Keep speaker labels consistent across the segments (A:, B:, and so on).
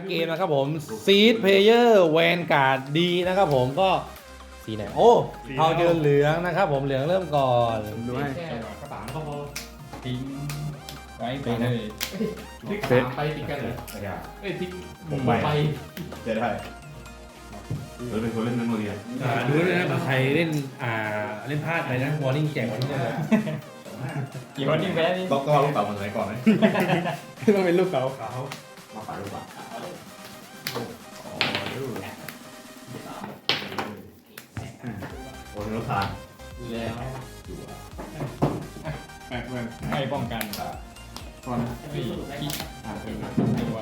A: เกมนะครับผมซีดเพลเยอร์แวนการ์ดดีนะครับผมก็สีไหนโอ้เทาเจอเหลืองนะครับผมเหลืองเริ่มก่อน
B: ดูให้
C: แค่กระป๋ามก็พอทิ้งไว้ไป
A: ไป
C: เล
A: นะ
C: ยติ๊กสามไปติดกันเหรอติ๊กผมไป
D: จะได้เราเป็นคนเล่นนักเรียน
A: ดูด้วยนะใครเล่นเล่นพลาดไปนะวอร์นิ่งแจกวอร์นิ่งเลย
C: กี่วันนี้แพ้นี่
D: ต้องเอาลูกเต๋ามาใส่ก่อนไหม
B: ต้องเป็นลูกเต๋า
D: มาฝากลูกเต๋าโอ้ยรถทาน
C: แล้ว
B: แปลกเลย
C: ให้ป้องกัน
B: ก่อน
C: พี่คิดตัว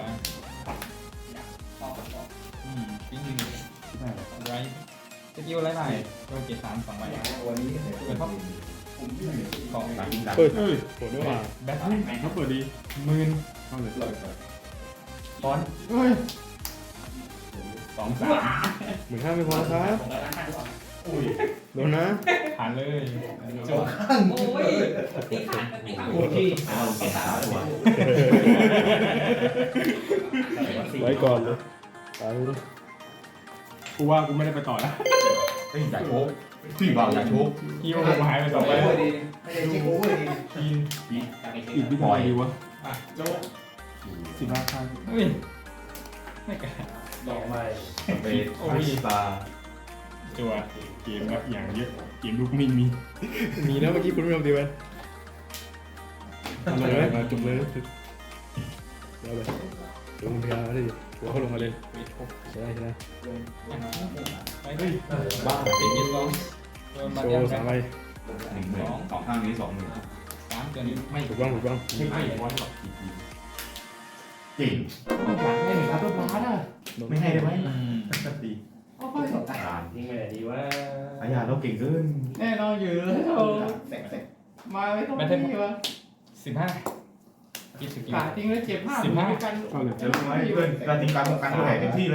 C: ทิ้งหนึ่งไรสกิลไรไปโดนเจ็ดสามสองใบ
D: วันนี้
C: เป็นท็อปกอง
D: ตัดยิงดัง
B: เปิดเฮ้ยเปิดด้วยว่ะ
C: แบท
B: เขาเปิดดี
C: หมื่น
B: เข้าเลย
C: ฟอน
B: เฮ้ย
C: สองสาม
B: 15,000ไม่พอครับโดนนะ
C: ผ่านเลยจบ
E: โอ้ยตีขาดตีขาด
C: โอเค
D: เอาเก็บสามตัว
B: ไว้ก่อนเลยตายกูว่ากูไม่ได้ไปต่อแล้ว
D: เฮ้ยอยากโชกที่วางอยากโชก
C: ฮิวผมหายไปสองใบ
D: ไม่ได้เช็คโอเวอร์ดี
B: อีกวิธีดีวะ
C: อ่ะโจ๊ก
B: 15ครั้ง
C: เฮ้ยไม่กล้า
E: ดอกไม้
D: เบสคริสตา
C: จัว
B: เกมแบบอย่างเยอะเกมลูกมินมีแล้วเมื่อกี้คุณไม่ทำดีไหมทำเลยมาจุ่มเลยแล้วเลยลงเพียร์ได้ดิหัวเขาลงมาเลยใช่ใช่
C: ไปเฮ้ยบ้าเป็นยิงลองโดนมา
B: โช
C: เดียว
B: ว์
C: กั
B: สาน มใบ
D: 1,000สองข้างนี้20,000
C: สามตัวนี้ไม่
B: ถูกบ้างถูกบ้าง
C: ไม่วันหรอก
D: จริง
C: ให้หนึ่งครับตัวบาสอ่ะ
D: ไม่ให้ได้ไหมดี
E: อ่านทิ้งไปไหนดีว่า
D: อาญาเราเก่งขึ้น
C: แน่นอนอยู่แล้วมาไม่ต้องนี่วะ15กินสกิลทิ้งแล้วเจ็บ15 กัน
B: เข้าเลย
D: จะรู้ไหมเพื่อนการตีการป้องกันเท่าไหร่เต็มที่เลย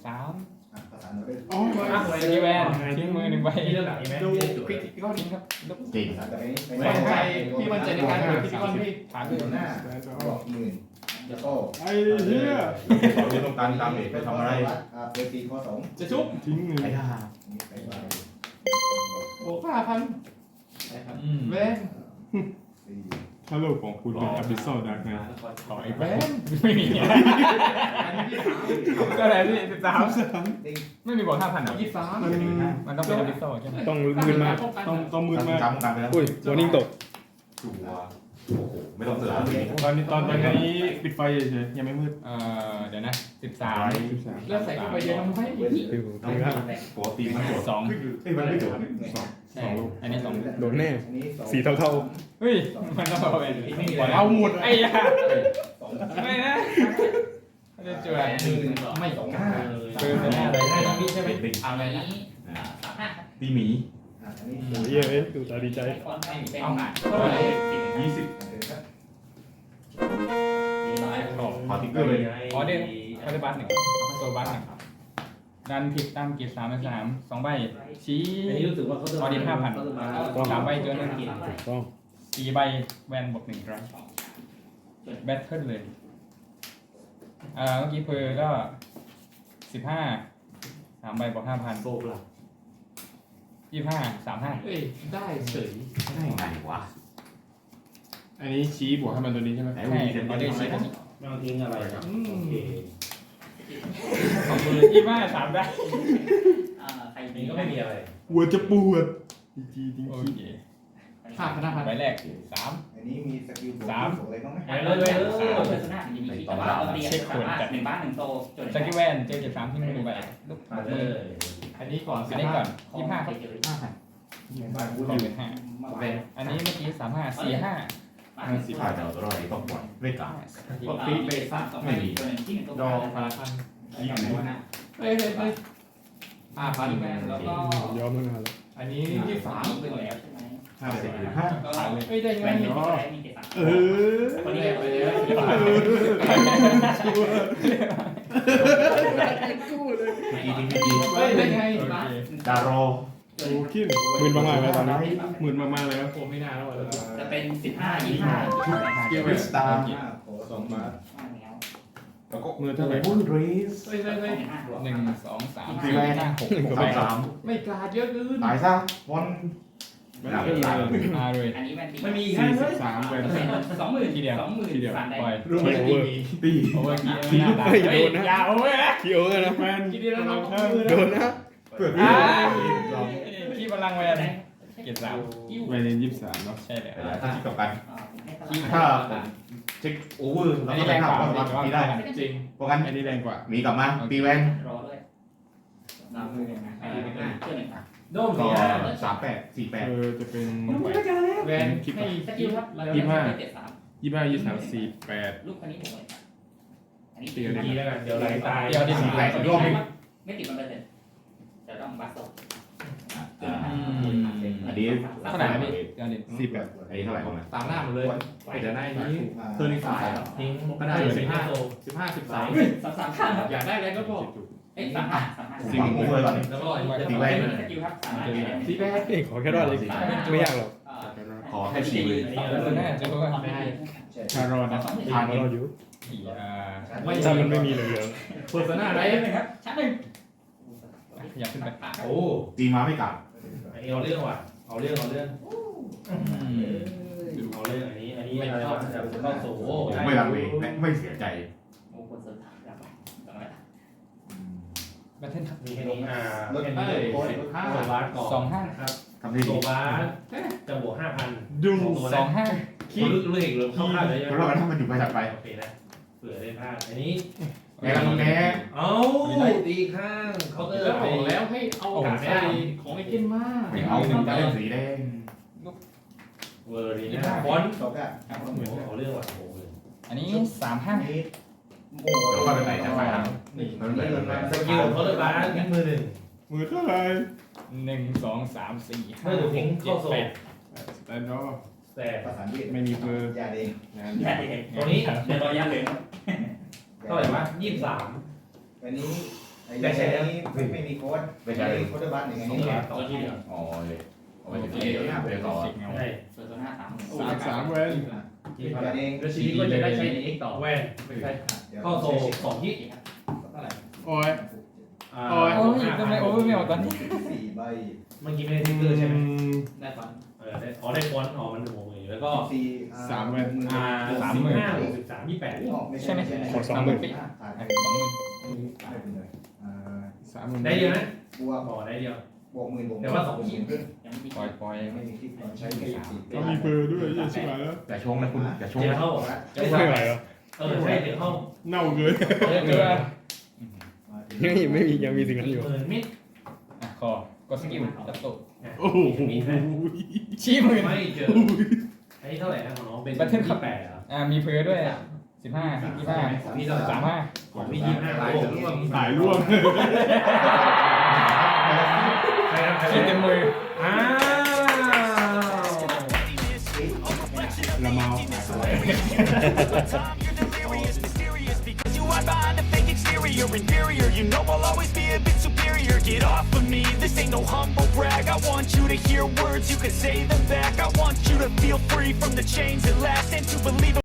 C: 3
B: อ๋อ
C: สกิลแวนทิ้งมือ1ใบ
E: มีเรื่องหลังอีกไหม
C: ดูคลิกก็ทิ้งครับลุก
D: จริง
C: ไม่ใช่พี่มันใจในการเปิดคลิกก็พี่ผ่านเลย
F: หน้าบอกหมื่นแล้วก็
B: ไอ้เหี้ย
D: สอนเรื่องต้องการตามเอกไปทำอะไร
F: เปิดตีข้อสอง
C: จะชุบ
B: ทิ้งเลย
D: ไอ้ท่า
C: โอ้5,000แวน
B: ถ้าโลกของคุณเป็นอับบิสซอลดักนะ
C: ต่ออีกแวนไม่มีก็อะไรพี่13ไม่มีบวก 5,000หรอ23มันต้องเป็นอบิสโซใช่ไหม
B: ต้องมืดมากต้องมืดมาก
D: จำกันไปแล้ว
B: อุ้ยวอร์นิ่งตก
D: จัวโอ้โหไม่ต้องเสือ
B: ตอนนี้ปิดไฟเฉยๆยังไม่มืด
C: เดี๋ยวนะ
D: ไอ้
C: 13แล้วใส่เข้าไปเยอะทำไม
B: ฟิว
D: ต้อง
B: ตีครับ
D: ปกติมันโดด
C: 2
D: เฮ้ยมันไม่โดด
C: ใช่อันนี้2
B: โดนแน่
F: อันนี้สอง
B: สีเท่า
C: เฮ้ยมันต้องเอาไปเอาหมดไอ้ยาไม่นะจะจวดไม่สองเกินไปหน้าอะไรได้พี่ใช่ไหม
D: เป็น
E: อะไร
D: ติ๊ก
E: นี้
D: ตีหมี
F: อันนี้
B: ๆโอ้ยเย้ยดูตาดีใจ
E: เอาหน่อย
D: 20 ขอติ๊กเกอร์เลย
C: อ๋อเด่นคาร์บัส1ตัวบัส1ดันผิดตามเกียร์3 2ใบชี้
E: อันนี้รู้สึกว่าเขาจะ
C: 3ใบเจอหนึ่ง
B: ต้อง
C: 4ใบแวนบวก1ครั้งแบทเทิลเลยเมื่อกี้เพอก็15 3ใบบวก 5,000
E: โบกหลัก
C: 25 35เอ้ยได้เฉย
D: ได้ไงวะ
B: อันนี้ชี้บวกให้มันตัวนี้ใช่ไหม
D: ไหน
C: ใช่
D: วีเดน
C: เอา
D: ได้
C: ได้
D: ไหม
C: เฉย
E: ไม่ต้องทิ้งอะไรครับโอเค
C: ของมือ25 3ได้
E: ใครมีก็ไม่มีอะไร
B: หัวจะปวดจริงจริง
C: โอเค5,000ใบแรก3
F: อันนี้มีสกิลอะไรบ้างไหม
E: เลยชนะมีมีต่อมาเรียนสามารถ1 บ้าน 1 โตจน
C: สกิลแวนเจอเก็บ3ที่มือใบลูก
E: มาเล
C: มือย อันนี้ก่อน25ครับเป็น5แวนอันนี้เมื่อกี้35 45
D: ผ่านเราตัวอะไรต้องปล่อยไม่กล้า
E: ปกติเบสซ่าไม่มีตัวหนึ่งที่เป็นตัว
C: ดอก
E: พา
D: ยี่สิบ
C: เฮ้ย5,000แล้วก็
B: ยอมแล้วนะครับ
C: อันนี้23เป็นแล้ว
E: ใช่ไหม
D: 50
C: ผ่านเลยเฮ้ยได้ไง
E: แวนมีอะไรมีเกส
B: เออ
E: คนนี้ไปเลย
C: เฮ้ยได้ไง
D: ดารอ
B: โอ้ขึ้นหมื่นมากๆเลยตอนนี้หมื่นมากๆเลยครับ
C: ผมไม่น่าแล้ว
E: จะเป็น15 25
D: คริสตา
F: โอ้2 บาท
D: ไปแล้วก็
B: มือเท่าไหร่
D: บูเรส
C: เฮ้ย
E: หนึ่ง
C: 1 2 3
D: สี่แวน
C: 4 5 6
D: 3
C: ไม่กล้าเยอะเกิน
D: ตายซะบอล
B: ไม่ขึ้นเลย
C: มาเลย
E: อันนี้แวนตี
C: ไม่มี
B: 43เป็น
E: 20,000
C: ทีเดียว
E: 20,000 3ได้
C: ปล่อย
B: รูปโอเวอร์
D: ตี
C: โอเวอร์กี้
B: ที
C: ไม่น่า
B: ไม่
C: ได้
B: โดนนะ
C: อย่าโอเวอร์นะ
B: ทีโอเวอร์นะแมน
C: ทีเดียวแล้วน้อง
B: โดนนะ
D: เปิด
C: อ่า
D: ที่
C: ขี้พลังแวนเกียรติ3
B: แมน23เนาะ
C: ใช่เลย
D: ถ้าคิดกับกัน
E: ที่
D: ถ้าผมเช็คโอเวอร์แล้วก็ไปทำก็รับตีได้
C: จริง
D: เพราะงั้น
B: อันนี้แรงกว่า
D: หนีกลับมาตีแวน
E: รอด้วยเพื่อนหนึ่ง
C: โดม
D: ก็
C: สี่
D: 38
B: จะเป็น
C: แวนให้
E: สกิลครับ
B: 25 48
E: ลูกคนนี้ผมเลยอันนี้
B: ตีกัน
C: ทีแล้วกันเดี๋ยวไหลตาย
E: เดี๋ยวดิไม่ติดมันเลยจะต้องบัสโซ่
D: อันนี้
C: เท่าไหร่พี่เดี๋ยวดิ
D: อันนี้เท่าไหร่บ้างนะ
C: ตามหน้าหมดเลยเดี๋ยวได้นี้
F: เธอในสาย
C: ทิ้งก็ได้15 13
E: 3ข้างครับ
C: อยากได้อะไรก็บอก
E: เอ้ย35
D: สิ่งโอเวอร์ก่อน
C: แล้วก็
D: ตีแวน
E: สกิลครับ
C: ตีแบก
B: ขอแค่รอดเลยไม่ยากหรอก
D: ขอแค่4เลย
C: แน่จะก็ไม่ได้
B: ชารอดนะชารอดอยู่
C: ไม่
B: ถ้ามันไม่มีเหลือง
C: โฆษณาอะไร
E: ครับชั้นหนึ่ง
C: อยากขึ้นไป
G: โอ้
D: ตีมาไม่กลับ
G: อันนี้เอาเรื่องว่ะ เอาเรื่องเอาเรื่องเอาเรื่องอันนี้ไม่ชอบจะเข้าสู่
D: ไม่รังเลและไม่เสียใจ
E: โอ้คนสุดท้ายแล้วต่อไป
C: แบทเทิลครับ
G: มีแค่นี้
F: รถ
G: แค่
F: เอ้
G: นี้
F: ย
G: โซบาร์ก่อน
C: 25
G: ครับ
D: ทำได้
G: โซ
D: ดี
G: บาร์จะบวก 5,000
B: ดู
C: 25
G: คิดเรื่องเข้าข้างเลย
D: เพราะว่าถ้ามันอยู่ไปถัดไป
G: โอเคนะเผื่อได้พลาดอันนี้
D: แกลังแก
G: เอาตีข้างเขาน์เตอร์
C: แล้ว
G: ไป
C: บอกแล้วให้เอากาดได้ของไอ้เก้นมาก
D: ไม่เอาจะเล่นสีแดง
G: เวอร์ดีนะฟอนต์
F: จบแล้ว
G: เอาเรื่องว่ะโอ้ย
C: อันนี้
F: นี่โอ้
D: เดี๋ยวว่าไปไหนจะไปหา
G: นี่
D: มันเหมือนมัน
G: สกิลเขาเลยบ้านมือหนึ่ง
B: มือเท่าไหร่
C: 1 2 3 4
G: เมื่อถูกทิ้งเข้าโซ่
B: สแตนดอร์
G: แต่
F: ภาษาอังกฤษ
B: ไม่มีเบอร์
F: ยาเอง
B: งาน
E: ใหญ่
G: ตรงนี้
E: เดี๋ยวรอยาเหลือง
G: เท่าไหร่วะ23
F: วันนี้ไอ้นี้ไม่มีโค้ดไม่ใช่โค้ดบ้านอย่าง
G: นี่
F: นี้
G: แหละต่อที่เดียว
D: อ๋อเลยเอาไปถึงเดี๋ยวนะไปต่อ
G: ใช่
E: เปิดตัวหน้า
B: 3
E: 3
B: เวน
G: ที่ผ่านแล้วชีวิตก็จะได้ใช้ใน X ต่อแว่นไม่ใช่เข้าโซ่2ที่
F: เท่าไหร่
B: โอ้ย
C: โอ้ยทำไมโอเวอร์ไม่ออกตอนนี้
F: 4 ใบ
G: เมื่อกี้ไม่ได้ทิกเกอร์ใช่ไหม
E: ได้ฟอน
G: ได้ได้ฟอนต์ได้ฟอนต์มันหัวมือแล้วก็
F: 4
G: 35 63 28
F: ใช่ไหม
B: ขอ2 0,000
C: 20,000
F: ไม่
C: ไม่
F: เป็นไร
B: 30,000
G: ได้เดียวนะ
F: บวก
G: ต่อได้เดียว
F: บวกหมื่นบวก
E: ยังไม่
C: ปล่อยปล่อย
F: ไม่มีที่ใช้ไม่สี่
B: ก็มีเบอร์ด้วยใช่ไหมแล้ว
D: อย่าชงนะคุณอย่าชง
G: เดี๋ยว
D: นะ
G: เข้า
B: ไม่ไหวเหรอ
G: ใช่เดี๋ยวเข้า
B: เน่าเกิน
C: เกลือ
B: ยังมีสิ่งนั้นอยู่
G: หมื่นมิด
C: อ่ะคอกดสกิลจับตุ
B: โอ้โห
C: ชี้มือ
G: ไม่เจอไอ้เท่าไหร่นะของน้องเป็น8เหรอ
C: มีเพลด้วย15 25
G: พี่เท่าไหร่
C: 35
G: ของพี่25ลายจะร่วง
B: สายร่วง
C: คิดเต็มมือ
G: อ้าว
B: ละเมา
H: You hide behind a fake exterior, inferior. You know I'll always be a bit superior. Get off of me, this ain't no humble brag. I want you to hear words, you can say them back. I want you to feel free from the chains that last and to believe